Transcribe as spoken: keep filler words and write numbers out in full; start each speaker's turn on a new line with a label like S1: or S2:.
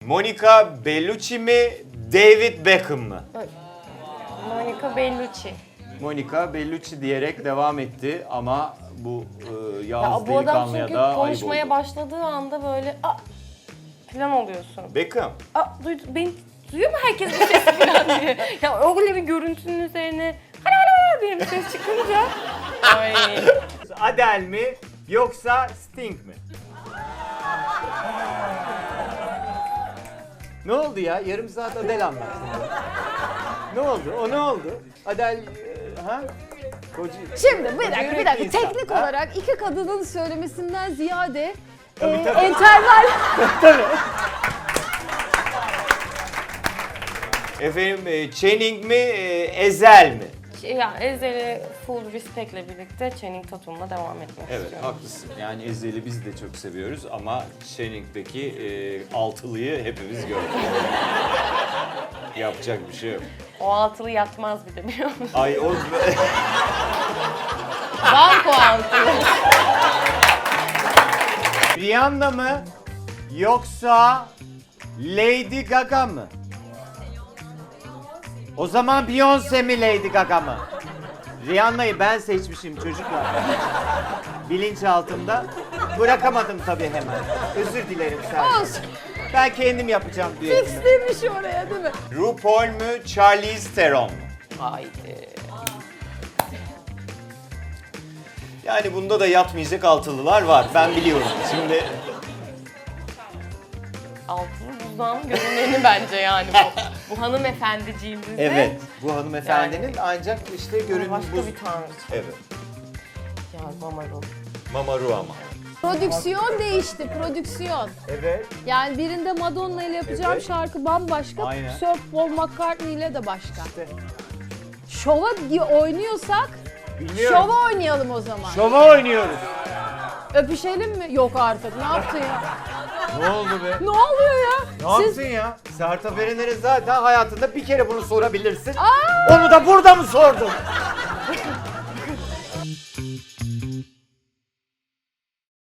S1: Monica Bellucci mi, David Beckham mı?
S2: Monica Bellucci.
S1: Monica Bellucci diyerek devam etti ama bu e,
S2: Ya
S1: Yağız
S2: bu adam
S1: delikanlıya
S2: çünkü
S1: da ayıp
S2: konuşmaya
S1: oldu.
S2: başladığı anda böyle a falan oluyorsun.
S1: Beckham.
S2: Aa, duydu, beni duyuyor mu herkes bu sesi falan diye. Ya öyle bir görüntünün üzerine hala hala diye bir ses çıkınca. Ay.
S1: Adele mi yoksa Sting mi? Ne oldu ya? Yarım saat Adele anlattın. Ne oldu? O ne oldu? Adele e, ha? Koca,
S3: Şimdi bir dakika bir
S1: yürekli
S3: dakika
S1: insan,
S3: teknik
S1: ha?
S3: olarak iki kadının söylemesinden ziyade
S1: Tabii,
S3: e,
S1: tabii.
S3: enterval
S1: Efendim e, Channing mi, e, Ezel mi?
S2: Şey, ya Ezel'e full respect'le birlikte Channing Tatum'la devam etmek
S1: Evet,
S2: istiyorum.
S1: haklısın. Yani Ezel'i biz de çok seviyoruz ama Channing'deki e, altılıyı hepimiz gördük. Yapacak bir şey yok.
S2: O altılı yatmaz bir de biliyor musun?
S1: Ay o...
S2: Banko altılı.
S1: Rihanna mı yoksa Lady Gaga mı? O zaman Beyoncé mi Lady Gaga mı? Rihanna'yı ben seçmişim çocuklar. Bilinçaltımda. Bırakamadım tabii hemen. Özür dilerim sen.
S3: olsun.
S1: Ben kendim yapacağım düetimi.
S3: Fix demiş oraya değil mi?
S1: RuPaul mu Charlize Theron mu?
S2: Haydi.
S1: Yani bunda da yatmayacak altılılar var. Ben biliyorum. Şimdi
S2: Altılı buzdağının görüneni bence yani bu. Bu hanımefendiciğimizde.
S1: evet, bu hanımefendinin
S2: Yani-
S1: ancak işte görünüm
S2: Başka
S1: buz.
S2: bir tanrı.
S1: Evet.
S2: Ya Mamaru.
S1: Mamaru ama.
S3: Prodüksiyon değişti, prodüksiyon.
S1: Evet.
S3: Yani birinde Madonna ile yapacağım
S1: Evet.
S3: şarkı bambaşka,
S1: Aynen.
S3: Sir Paul McCartney ile de başka.
S1: İşte.
S3: Şova di- oynuyorsak,
S1: Bilmiyorum.
S3: şova oynayalım o zaman.
S1: Şova oynuyoruz.
S3: Öpüşelim mi? Yok artık, ne yaptın ya?
S1: Ne oldu be?
S3: Ne oluyor ya?
S1: Ne
S3: Siz
S1: yaptın ya? Sertab Erener'e zaten hayatında bir kere bunu sorabilirsin. Onu da burada mı sordun?